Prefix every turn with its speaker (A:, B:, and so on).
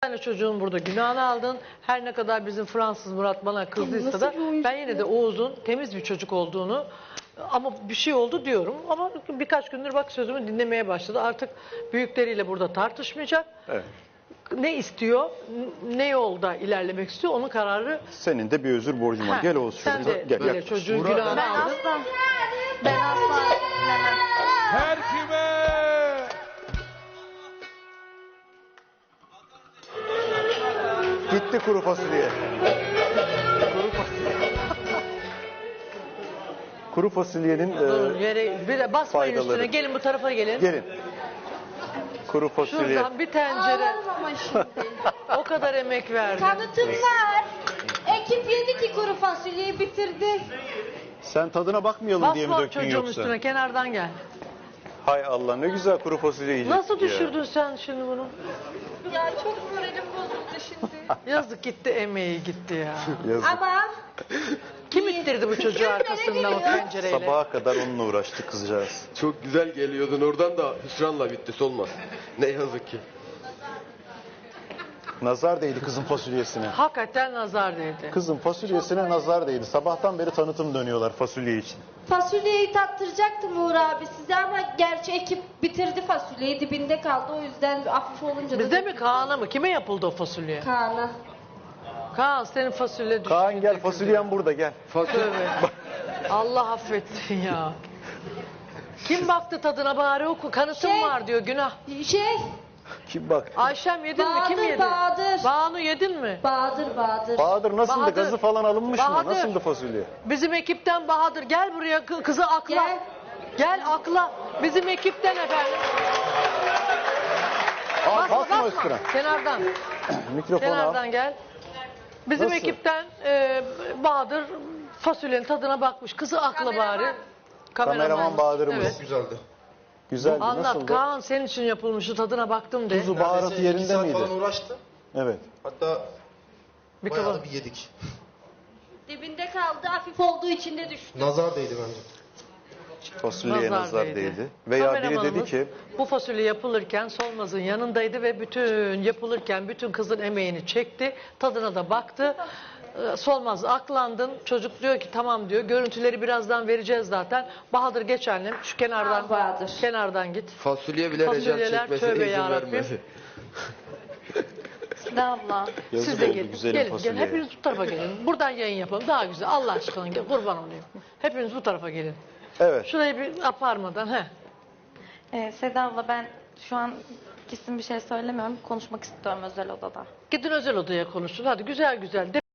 A: Sen de çocuğun burada günahını aldın. Her ne kadar bizim Fransız Murat bana kızdıysa da ben yine de Oğuz'un temiz bir çocuk olduğunu ama bir şey oldu diyorum. Ama birkaç gündür bak sözümü dinlemeye başladı. Artık büyükleriyle burada tartışmayacak.
B: Evet.
A: Ne istiyor, ne yolda ilerlemek istiyor onun kararı.
B: Senin de bir özür borcun var.
A: Ha,
B: Gel Oğuz
A: sen
B: şurada.
A: de
B: Gel.
A: böyle
B: yaklaş.
A: çocuğun
C: Murat,
A: günahını
D: Ben
A: aldın.
D: asla, ben asla dinlemem.
C: Her kime?
B: Gitti kuru fasulye. Kuru fasulye. Kuru fasulyenin
A: Durun yere bir de basmayın
B: faydaları.
A: üstüne. Gelin bu tarafa gelin.
B: gelin. Kuru fasulye.
A: Şuradan bir tencere.
D: Ağlarım ama şimdi.
A: O kadar emek verdim.
D: Kanıtım var. Ekip yedi ki kuru fasulyeyi bitirdi.
B: Sen tadına bakmayalım diye mi
A: Basma
B: döktün
A: çocuğun
B: yoksa?
A: üstüne kenardan gel.
B: Hay Allah ne güzel kuru fasulye yiyecek.
A: Nasıl düşürdün sen şimdi bunu?
D: Ya çok moralim bozuldu şimdi.
A: Yazık gitti emeği gitti ya.
B: Yazık.
D: Ama
A: Kim ittirdi bu çocuğu arkasından o pencereyle?
B: Sabaha kadar onunla uğraştı kızcağız.
C: Çok güzel geliyordun oradan da hüsranla bitti solma. Ne yazık ki.
B: Nazar değdi kızın fasulyesine.
A: Hakikaten nazar değdi.
B: Kızın fasulyesine nazar değdi. Sabahtan beri tanıtım dönüyorlar fasulye için.
D: fasulyeyi tattıracaktım Uğur abi size ama gerçi ekip bitirdi fasulyeyi dibinde kaldı o yüzden hafif olunca
A: Bizde mi Kaan'a mı? Kime yapıldı o fasulye?
D: Kaan'a.
A: Kaan senin fasulye düştü.
B: Kaan gel fasulyen burada gel.
A: Tövbe. Allah affetsin ya. Kim baktı tadına bari oku. Kanıtım
D: Şey-
A: var diyor günah.
D: Şey
B: Kim bak?
A: Ayşem yedin mi? Kim
D: Bahadır,
A: yedi?
D: Bahadır.
A: Banu yedin mi?
D: Bahadır.
B: Bahadır nasıldı?
A: Bahadır.
B: Gazı falan alınmış mı?
A: Bahadır.
B: Nasıldı fasulye?
A: Bizim ekipten Bahadır gel buraya kızı akla.
D: Gel.
A: Gel akla. Bizim ekipten efendim.
B: Basma üstüne.
A: Kenardan.
B: Mikrofonu al.
A: Kenardan gel. Bizim
B: Nasıl?
A: ekipten Bahadır fasulyenin tadına bakmış. Kızı akla bari.
B: Kameraman Bahadır'ımız.
A: Evet.
C: Güzeldi.
B: Güzeldi.
A: Anlat
B: Nasıldı?
A: Kaan senin için yapılmıştı tadına baktım de.
B: Tuzu baharatı
E: Neredeyse
B: yerinde
E: 2 saat
B: miydi?
E: falan uğraştı.
B: Evet.
E: Hatta
A: Bir
E: bayağı
A: kaba.
E: da bir yedik.
D: Dibinde kaldı hafif olduğu için de düştü.
E: Nazar değdi bence.
B: Fasulyeye nazar değdi. Veya biri dedi
A: Kameramanımız
B: ki
A: bu fasulye yapılırken Solmaz'ın yanındaydı ve bütün yapılırken bütün kızın emeğini çekti. Tadına da baktı. Solmaz aklandın. Çocuk diyor ki tamam diyor. Görüntüleri birazdan vereceğiz zaten. Bahadır geç annem. Şu kenardan
D: Al Bahadır.
A: kenardan git.
C: Fasulye bile
A: Fasulyeler,
C: recal çekmesine
A: tövbe
C: izin
A: yarabbim.
C: vermedi.
D: Seda abla.
B: yazık
A: Siz de
B: oldu
A: gelin.
B: güzelim
A: Gelin, gelin.
B: fasulyeye.
A: Hepiniz bu tarafa gelin. Buradan yayın yapalım. Daha güzel. Allah aşkına gel. Kurban olayım. Hepiniz bu tarafa gelin.
B: Evet.
A: Şurayı bir aparmadan.
F: Seda abla ben şu an kesin bir şey söylemiyorum. Konuşmak istiyorum özel odada.
A: Gidin özel odaya konuşun. Hadi güzel güzel.